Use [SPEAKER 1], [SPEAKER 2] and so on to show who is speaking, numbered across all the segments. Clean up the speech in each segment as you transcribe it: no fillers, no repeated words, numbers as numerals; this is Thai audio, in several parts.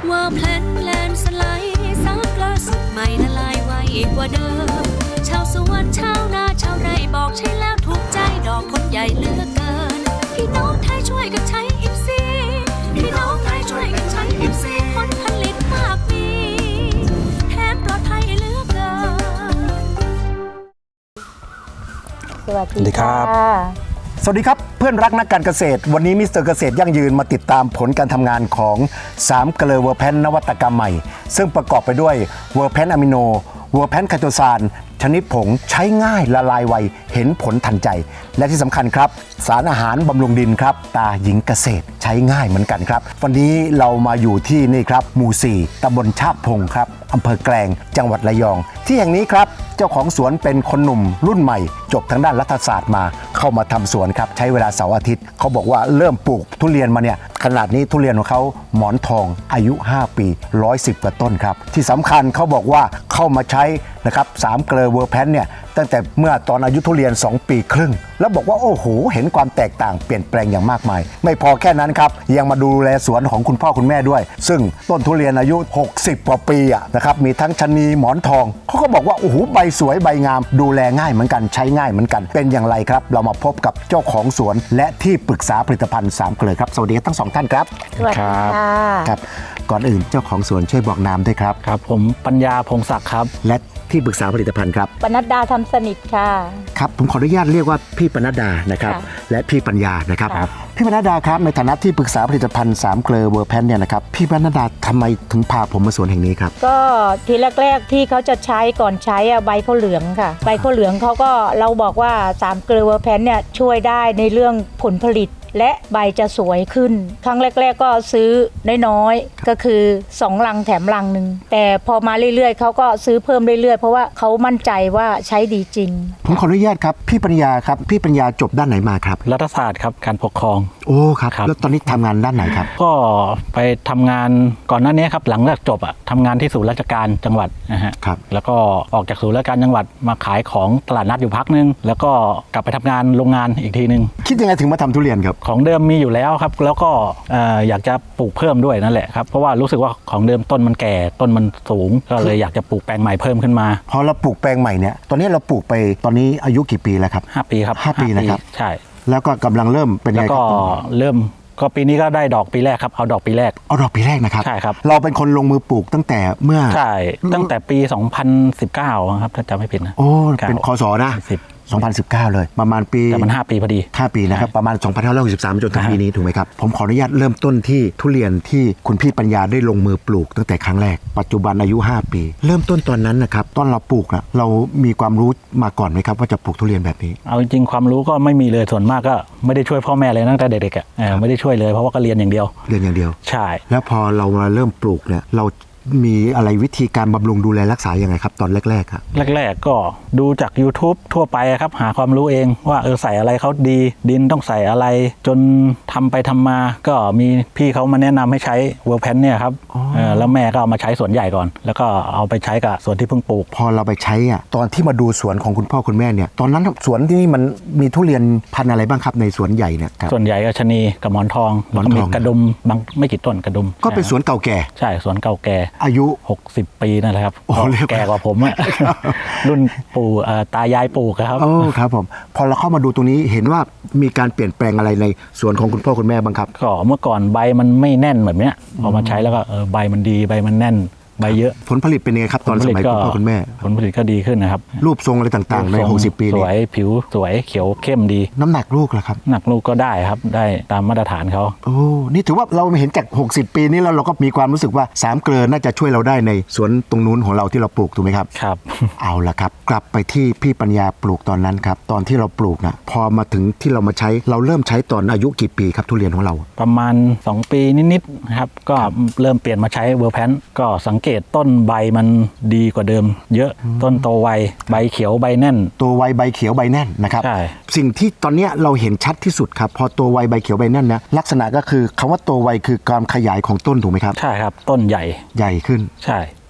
[SPEAKER 1] ว่าแพลนสไลด์ซักล่าสุดใหม่ละลายไวกว่าเดิมชาวสวนชาวนาชาวไร่บอกใช่แล้วถูกใจดอกคนใหญ่เหลือกเกินพี่น้องไทยช่วยกันใช้อิฟซีพี่น้องไทยช่วยกันใช้อิฟซีผลผลิตมากมีแถมปลอดภัยเหลือกเกิน
[SPEAKER 2] สวัสดีครับ
[SPEAKER 3] สวัสดีครับเพื่อนรักนักการเกษตรวันนี้มิสเตอร์เกษตรยั่งยืนมาติดตามผลการทำงานของ3เกลือเวอร์แพนนวัตกรรมใหม่ซึ่งประกอบไปด้วยเวอร์แพนอะมิโนเวอร์แพนไคโตซานชนิดผงใช้ง่ายละลายไวเห็นผลทันใจและที่สำคัญครับสารอาหารบำรุงดินครับตาหญิงเกษตรใช้ง่ายเหมือนกันครับวันนี้เรามาอยู่ที่นี่ครับหมู่4ตำบลชาบพงครับอำเภอแกลงจังหวัดระยองที่แห่งนี้ครับเจ้าของสวนเป็นคนหนุ่มรุ่นใหม่จบทางด้านรัฐศาสตร์มาเข้ามาทำสวนครับใช้เวลาเสาร์อาทิตย์เขาบอกว่าเริ่มปลูกทุเรียนมาเนี่ยขนาดนี้ทุเรียนของเขาหมอนทองอายุ5ปี110กว่าต้นครับที่สำคัญเขาบอกว่าเข้ามาใช้นะครับ3เกลือเวอร์แพนเนี่ยตั้งแต่เมื่อตอนอายุทุเรียน2ปีครึ่งแล้วบอกว่าโอ้โหเห็นความแตกต่างเปลี่ยนแปลงอย่างมากมายไม่พอแค่นั้นครับยังมาดูแลสวนของคุณพ่อคุณแม่ด้วยซึ่งต้นทุเรียนอายุ60กว่าปีนะครับมีทั้งชะนีหมอนทองเขาก็บอกว่าโอ้โหใบสวยใบงามดูแลง่ายเหมือนกันใช้ง่ายเหมือนกันเป็นอย่างไรครับเรามาพบกับเจ้าของสวนและที่ปรึกษาผลิตภัณฑ์3เกลือครับสวัสดีทั้ง2ท่านครับ
[SPEAKER 2] สวัสดีค่ะ
[SPEAKER 3] ครับก่อนอื่นเจ้าของสวนช่วยบอกนามด้วยครับ
[SPEAKER 4] ครับผมปัญญาพงศักดิ์ครับ
[SPEAKER 3] และที่ปรึกษาผลิตภัณฑ์ครับ
[SPEAKER 2] ปนัดดาทำสนิทค่ะ
[SPEAKER 3] ครับผมขออนุญาตเรียกว่าพี่ปนัดดานะครับและพี่ปัญญานะครับพี่ปนัดดาครับในฐานะที่ปรึกษาผลิตภัณฑ์3เกลือเวอร์แพนเนี่ยนะครับพี่ปนัดดาทำไมถึงพาผมมาสวนแห่งนี้ครับ
[SPEAKER 2] ก็ทีแรกๆที่เขาจะใช้ก่อนใช้ใบเขาเหลืองค่ะใบเขาเหลืองเขาก็เราบอกว่า3เกลือเวอร์แพนเนี่ยช่วยได้ในเรื่องผลผลิตและใบจะสวยขึ้นครั้งแรกๆก็ซื้อน้อยๆก็คือ2ลังแถมลังนึงแต่พอมาเรื่อยๆเขาก็ซื้อเพิ่มเรื่อยๆเพราะว่าเขามั่นใจว่าใช้ดีจริง
[SPEAKER 3] ผมขออนุญาตครับพี่ปัญญาครับพี่ปัญญาจบด้านไหนมาครับ
[SPEAKER 4] รัฐศาสตร์ครับการปกครอง
[SPEAKER 3] โอ้ครับแล้วตอนนี้ทำงานด้านไหนครับ
[SPEAKER 4] ก็ไปทำงานก่อนหน้านี้ครับหลังจากจบทำงานที่ศูนย์ราชการจังหวัดนะฮะ
[SPEAKER 3] ครับ
[SPEAKER 4] แล้วก็ออกจากศูนย์ราชการจังหวัดมาขายของตลาดนัดอยู่พักนึงแล้วก็กลับไปทำงานโรงงานอีกทีนึง
[SPEAKER 3] คิดยังไงถึงมาทำทุเรียนครับ
[SPEAKER 4] ของเดิมมีอยู่แล้วครับแล้วก็อยากจะปลูกเพิ่มด้วยนั่นแหละครับเพราะว่ารู้สึกว่าของเดิมต้นมันแก่ต้นมันสูงก็เลยอยากจะปลูกแปลงใหม่เพิ่มขึ้นมา
[SPEAKER 3] พอเราปลูกแปลงใหม่เนี่ยตอนนี้เราปลูกไปตอนนี้อายุกี่ปีแล้วครับ
[SPEAKER 4] 5ปีครับ
[SPEAKER 3] 5ปีนะครับ
[SPEAKER 4] ใช่
[SPEAKER 3] แล้วก็กำลังเริ่มเป็นไง
[SPEAKER 4] ครับก็เริ่มก็ปีนี้ก็ได้ดอกปีแรกครับเอาดอกปีแรก
[SPEAKER 3] นะครับ
[SPEAKER 4] ใช่ครับ
[SPEAKER 3] เราเป็นคนลงมือปลูกตั้งแต่เมื่อ
[SPEAKER 4] ใช่ตั้งแต่ปี2019ครับถ้าจำไม่ผิดนะ
[SPEAKER 3] โอ้เป็นคศนะ2019เลยประมาณปี
[SPEAKER 4] แต่มัน5ปีพอดี
[SPEAKER 3] 5ปีนะครับประมาณ2563จนถึงปีนี้ถูกไหมครับผมขออนุญาตเริ่มต้นที่ทุเรียนที่คุณพี่ปัญญาได้ลงมือปลูกตั้งแต่ครั้งแรกปัจจุบันอายุ5ปีเริ่มต้นตอนนั้นนะครับตอนเราปลูกนะเรามีความรู้มาก่อนไหมครับว่าจะปลูกทุเรียนแบบนี้
[SPEAKER 4] เอาจริงๆความรู้ก็ไม่มีเลยส่วนมากก็ไม่ได้ช่วยพ่อแม่เลยตั้งแต่เด็กๆไม่ได้ช่วยเลยเพราะว่าก็เรียนอย่างเดียวใช่
[SPEAKER 3] แล้วพอเรามาเริ่มปลูกเนี่ยเรามีอะไรวิธีการบำรุงดูแลรักษายังไงครับตอนแรกๆครับ
[SPEAKER 4] แรกๆก็ดูจาก YouTube ทั่วไปครับหาความรู้เองว่าใส่อะไรเขาดีดินต้องใส่อะไรจนทำไปทำมาก็มีพี่เขามาแนะนำให้ใช้เวอร์แพนเนี่ยครับแล้วแม่ก็เอามาใช้สวนใหญ่ก่อนแล้วก็เอาไปใช้กับสวนที่เพิ่งปลูก
[SPEAKER 3] พอเราไปใช้ตอนที่มาดูสวนของคุณพ่อคุณแม่เนี่ยตอนนั้นสวนที่นี่มันมีทุเรียนพันธุ์อะไรบ้างครับในสวนใหญ่เนี่ย
[SPEAKER 4] ส่วนใหญ่ก็ชะนีกับหมอนทองแล้วก็มีกระดุมบางไม่กี่ต้นกระดุม
[SPEAKER 3] ก็เป็นสวนเก่าแก่
[SPEAKER 4] ใช่สวนเก่าแก่
[SPEAKER 3] อายุ
[SPEAKER 4] 60ปีนั่นแหละครับแก่กว่าผมรุ่นปู่ตายายปลูกครับ
[SPEAKER 3] โอ้ครับผมพอเราเข้ามาดูตรงนี้เห็นว่ามีการเปลี่ยนแปลงอะไรในสวนของคุณพ่อคุณแม่บ้างครับ
[SPEAKER 4] ก็เมื่อก่อนใบมันไม่แน่นแบบนี้พอมาใช้แล้วก็ใบมันดีใบมันแน่นใบเยอะ
[SPEAKER 3] ผลผลิตเป็นยังไงครับตอนสมัยคุณพ่อคุณแม่
[SPEAKER 4] ผลผลิตก็ดีขึ้นนะครับ
[SPEAKER 3] รูปทรงอะไรต่างๆใน60ปี
[SPEAKER 4] นี้สวยผิวสวยเขียวเข้มดี
[SPEAKER 3] น้ำหนักลูกล่ะครับ
[SPEAKER 4] หนักลูกก็ได้ครับได้ตามมาตรฐานเขา
[SPEAKER 3] โอ้นี่ถือว่าเราเห็นจาก60ปีนี้แล้วเราก็มีความรู้สึกว่า3เกลือน่าจะช่วยเราได้ในสวนตรงนู้นของเราที่เราปลูกถูกไหมครับ
[SPEAKER 4] ครับ
[SPEAKER 3] เอาล่ะครับกลับไปที่พี่ปัญญาปลูกตอนนั้นครับตอนที่เราปลูกนะพอมาถึงที่เรามาใช้เราเริ่มใช้ตอนอายุกี่ปีครับทุเรียนของเรา
[SPEAKER 4] ประมาณ2ปีนิดๆนะครับก็เริ่มเปลี่ยนมาใช้เวอร์แพนก็สังเกตต้นใบมันดีกว่าเดิมเยอะต้นโตไวใบเขียวใบแน่น
[SPEAKER 3] ตัวไวใบเขียวใบแน่นนะครับสิ่งที่ตอนนี้เราเห็นชัดที่สุดครับพอตัวไวใบเขียวใบแน่นนะลักษณะก็คือคำว่าตัวไวคือการขยายของต้นถูกไหมครับ
[SPEAKER 4] ใช่ครับต้นใหญ่
[SPEAKER 3] ขึ้น
[SPEAKER 4] ใช่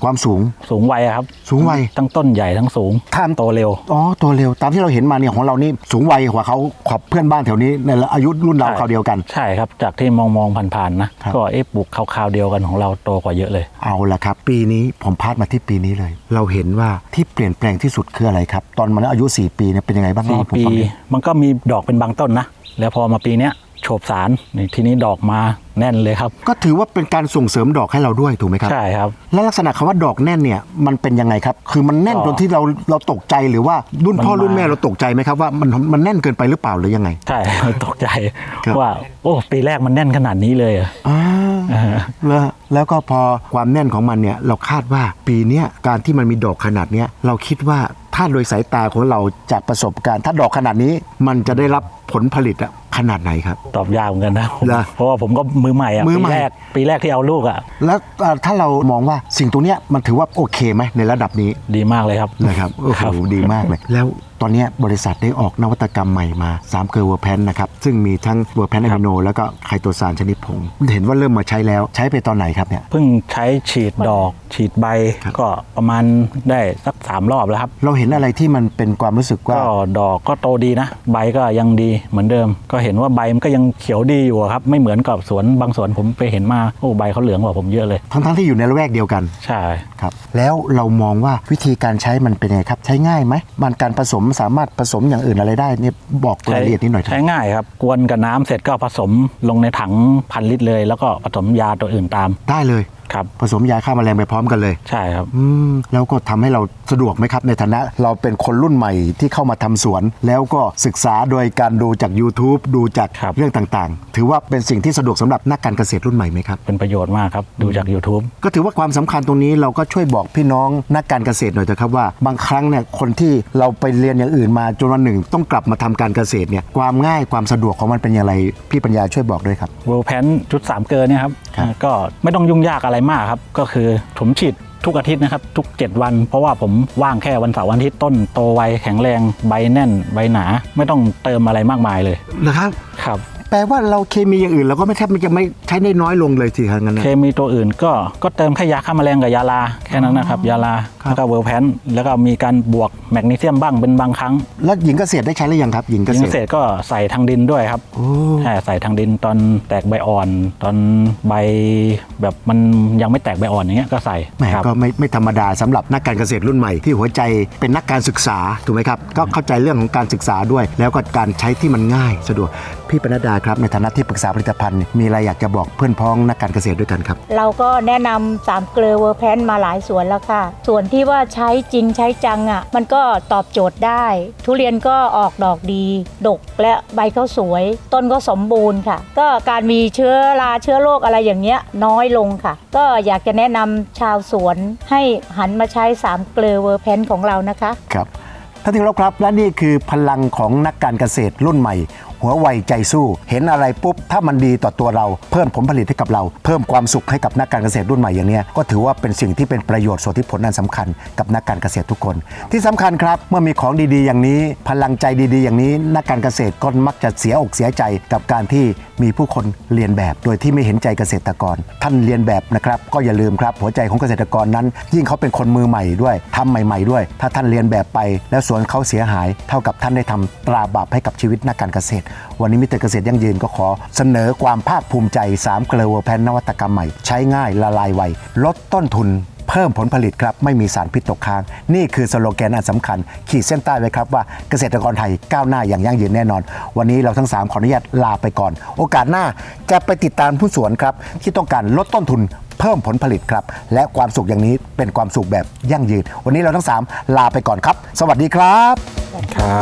[SPEAKER 3] ความสูง
[SPEAKER 4] สูงวัยอะครับ
[SPEAKER 3] สูงวัย
[SPEAKER 4] ทั้งต้นใหญ่ทั้งสูง
[SPEAKER 3] ท่าน
[SPEAKER 4] โตเร็ว
[SPEAKER 3] อ๋อตัวเร็วตามที่เราเห็นมาเนี่ยของเรานี่สูงวัยกว่าเขาขอบเพื่อนบ้านแถวนี้ในอายุรุ่นเรา
[SPEAKER 4] ใช่
[SPEAKER 3] คราวเดียวกัน
[SPEAKER 4] ใช่ครับจากที่มองผ่านๆนะครับ ก็ปลูกคราวๆเดียวกันของเราโตกว่าเยอะเลย
[SPEAKER 3] เอาละครับ ปีนี้ผมพาดมาที่ปีนี้เลย เราเห็นว่าที่เปลี่ยนแปลงที่สุดคืออะไรครับ ตอนมันอายุ 4 ปีเนี่ยเป็นยังไงบ้าง
[SPEAKER 4] สี่
[SPEAKER 3] เล่าให้ผม
[SPEAKER 4] ปี
[SPEAKER 3] ฟังหน่อย
[SPEAKER 4] มันก็มีดอกเป็นบางต้นนะแล้วพอมาปีเนี้ยโฉบสารนี่ทีนี้ดอกมาแน่นเลยครับ
[SPEAKER 3] ก็ถือว่าเป็นการส่งเสริมดอกให้เราด้วยถูกไหมครับ
[SPEAKER 4] ใช่ครับ
[SPEAKER 3] แล้วลักษณะคำว่าดอกแน่นเนี่ยมันเป็นยังไงครับ คือมันแน่น
[SPEAKER 4] ก็
[SPEAKER 3] จนที่เราตกใจหรือว่ารุ่นพ่อ
[SPEAKER 4] มันมา
[SPEAKER 3] รุ่นแม่เราตกใจไหมครับว่ามันแน่นเกินไปหรือเปล่าหรือยังไง
[SPEAKER 4] ใช่ ตกใจ
[SPEAKER 3] ครับ
[SPEAKER 4] ว่าโอ้ปีแรกมันแน่นขนาดนี้เลยเหรอ
[SPEAKER 3] แล้วก็พอความแน่นของมันเนี่ยเราคาดว่าปีเนี้ยการที่มันมีดอกขนาดเนี้ยเราคิดว่าถ้าโดยสายตาของเราจากประสบการณ์ ถ้าดอกขนาดนี้มันจะได้รับผลผลิตอะขนาดไหนครับ
[SPEAKER 4] ตอบยากเหมือนกันนะผม
[SPEAKER 3] เหรอ
[SPEAKER 4] เพราะว่าผมก็มือใหม่อะ
[SPEAKER 3] มือใหม่
[SPEAKER 4] ปีแรกที่เอาลูกอะ
[SPEAKER 3] แล้วถ้าเรามองว่าสิ่งตรงเนี้ยมันถือว่าโอเคไหมในระดับนี้
[SPEAKER 4] ดีมากเลยครับ
[SPEAKER 3] นะครับโอ้โหดีมากเลย แล้วตอนเนี้ยบริษัทได้ออกนวัตกรรมใหม่มา3เกลือเวอร์แพนนะครับซึ่งมีทั้งเวอร์แพนอะมิโนแล้วก็ไคโตซานชนิดผงเห็นว่าเริ่มมาใช้แล้วใช้ไปตอนไหนครับเนี่ย
[SPEAKER 4] เพิ่งใช้ฉีดดอกฉีดใบ
[SPEAKER 3] ครับ
[SPEAKER 4] ก็ประมาณได้สัก3 รอบแล้วครับ
[SPEAKER 3] เราเห็นอะไรที่มันเป็นความรู้สึกว่า
[SPEAKER 4] ก็ดอกก็โตดีนะ ใบก็ยังดีเหมือนเดิม ก็เห็นว่าใบมันก็ยังเขียวดีอยู่อะครับไม่เหมือนกับสวนบางสวนผมไปเห็นมาโอ้ใบเขาเหลืองกว่าผมเยอะเลย
[SPEAKER 3] ทั้งที่อยู่ในละแวกเดียวกัน
[SPEAKER 4] ใช่
[SPEAKER 3] ครับแล้วเรามองว่าวิธีการใช้มันเป็นยังไงครับใช้ง่ายไหมมันการผสมสามารถผสมอย่างอื่นอะไรได้เนี่ยบอกรายละเอียดนิดหน่อยครับ
[SPEAKER 4] ใช้ง่ายครับกวนกับน้ำเสร็จก็ผสมลงในถัง1,000 ลิตรเลย แล้วก็ผสมยาตัวอื่นตาม
[SPEAKER 3] ได้เลย
[SPEAKER 4] ครับ
[SPEAKER 3] ผสมยาฆ่าแมลงไปพร้อมกันเลย
[SPEAKER 4] ใช่ครับ
[SPEAKER 3] แล้วก็ทำให้เราสะดวกไหมครับในฐานะเราเป็นคนรุ่นใหม่ที่เข้ามาทำสวน แล้วก็ศึกษาโดยการดูจาก YouTube ดูจาก
[SPEAKER 4] ครับ
[SPEAKER 3] เรื่องต่างๆ ถือว่าเป็นสิ่งที่สะดวกสำหรับนักการเกษตรรุ่นใหม่ไหมครับ
[SPEAKER 4] เป็นประโยชน์มากครับดูจาก YouTube
[SPEAKER 3] ก็ถือว่าความสำคัญตรงนี้เราก็ช่วยบอกพี่น้องนักการเกษตรหน่อยเถอะครับว่าบางครั้งเนี่ยคนที่เราไปเรียนอย่างอื่นมาจนวันหนึ่งต้องกลับมาทำการเกษตรเนี่ยความง่ายความสะดวกของมันเป็นอย่างไรพี่ปัญญาช่วยบอกด้วยครับ
[SPEAKER 4] เวลแพนชุด3 เกลือเนี่ยครับ
[SPEAKER 3] ครับ
[SPEAKER 4] ก็ไม่ต้องยุ่งยากอะไรมากครับก็คือผมฉีดทุกอาทิตย์นะครับทุก7 วัน เพราะว่าผมว่างแค่วันเสาร์วันอาทิตย์ต้นโตไวแข็งแรงใบแน่นใบหนาไม่ต้องเติมอะไรมากมายเลย
[SPEAKER 3] นะครับ
[SPEAKER 4] ครับ
[SPEAKER 3] แปลว่าเราเคมีอย่างอื่นเราก็ไม่แทบจะไม่ใช้ได้น้อยลงเลยสิครับงั้นนะ
[SPEAKER 4] เคมีตัวอื่นก็เติมแค่ยาฆ่าแมลงกับยาลาแค่นั้นนะครับยาลา
[SPEAKER 3] ครับ
[SPEAKER 4] แล้วก็เวลแพนแล้วก็มีการบวกแมกนีเซียมบ้างเป็นบางครั้ง
[SPEAKER 3] แล้วหญิงเกษตรได้ใช้หรือยังครับหญิงเก
[SPEAKER 4] ยิ
[SPEAKER 3] ษ
[SPEAKER 4] ง
[SPEAKER 3] ตร
[SPEAKER 4] เสร็จก็ใส่ทางดินด้วยครับ
[SPEAKER 3] โอ้
[SPEAKER 4] ใช่ใส่ทางดินตอนแตกใบอ่อน ตอนใบแบบมันยังไม่แตกใบอ่อนอย่างเงี้ยก็ใส่
[SPEAKER 3] แหม
[SPEAKER 4] ครับ
[SPEAKER 3] ก็ไม่ธรรมดาสำหรับนักการเกษตรรุ่นใหม่ที่หัวใจเป็นนักการศึกษาถูกไหมครับก็เข้าใจเรื่องของการศึกษาด้วย แล้วก็การใช้ที่มันง่ายสะดวกพี่ปนัดดาครับในฐานะที่ปรึกษาผลิตภัณฑ์มีอะไรอยากจะบอกเพื่อนพ้องนักการเกษตรด้วยกันครับ
[SPEAKER 2] เราก็แนะนำ3เกลือเวอร์แพนมาหลายสวนแล้วค่ะ ส่วนที่ว่าใช้จริงใช้จังอ่ะมันก็ตอบโจทย์ได้ ทุเรียนก็ออกดอกดี ดกและใบเขาสวย ต้นก็สมบูรณ์ค่ะ ก็การมีเชื้อราเชื้อโรคอะไรอย่างเงี้ยน้อยลงค่ะ ก็อยากจะแนะนำชาวสวนให้หันมาใช้3เกลือเวอร์แพนของเรานะคะ
[SPEAKER 3] ครับท่านที่เคารพครับและนี่คือพลังของนักการเกษตรรุ่นใหม่ หัวไวใจสู้เห็นอะไรปุ๊บถ้ามันดีต่อตัวเราเพิ่มผลผลิตให้กับเราเพิ่มความสุขให้กับนักการเกษตรรุ่นใหม่อย่างนี้ก็ถือว่าเป็นสิ่งที่เป็นประโยชน์ส่วนที่ผลอันสำคัญกับนักการเกษตรทุกคน ที่สำคัญครับเมื่อมีของดีๆอย่างนี้พลังใจดีๆอย่างนี้นักการเกษตรก็มักจะเสียอกเสียใจกับการที่มีผู้คนเรียนแบบโดยที่ไม่เห็นใจเกษตรกรท่านเรียนแบบนะครับก็อย่าลืมครับหัวใจของเกษตรกรนั้น ยิ่งเขาเป็นคนมือใหม่ด้วยทำใหม่ๆด้วย ถ้าท่านเรียนแบบไปแล้วสวนเขาเสียหายเท่ากับท่านได้ทำตราบาปให้กับชีวิตนักการเกษตรวันนี้มิสเตอร์เกษตรยั่งยืนก็ขอเสนอความภาคภูมิใจ3เกลือเวอร์แพนนวัตกรรมใหม่ใช้ง่ายละลายไวลดต้นทุนเพิ่มผลผลิตครับไม่มีสารพิษตกค้างนี่คือสโลแกนอันสำคัญขีดเส้นใต้ไว้ครับว่าเกษตรกรไทยก้าวหน้าอย่างยั่งยืนแน่นอนวันนี้เราทั้ง3ขออนุญาตลาไปก่อนโอกาสหน้าจะไปติดตามผู้สวนครับที่ต้องการลดต้นทุนเพิ่มผลผลิตครับและความสุขอย่างนี้เป็นความสุขแบบยั่งยืนวันนี้เราทั้ง3ลาไปก่อนครับสวัสดีครับ
[SPEAKER 4] ครับ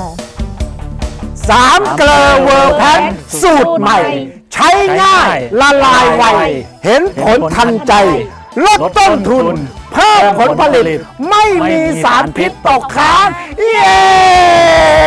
[SPEAKER 3] 3เกลอเวอร์แพนสูตรใหม่ ใช้ง่ายละลายไวเห็นผลทันใจ ลดต้นทุน เพิ่มผลผลิต ไม่มีสารพิษตกค้างเย้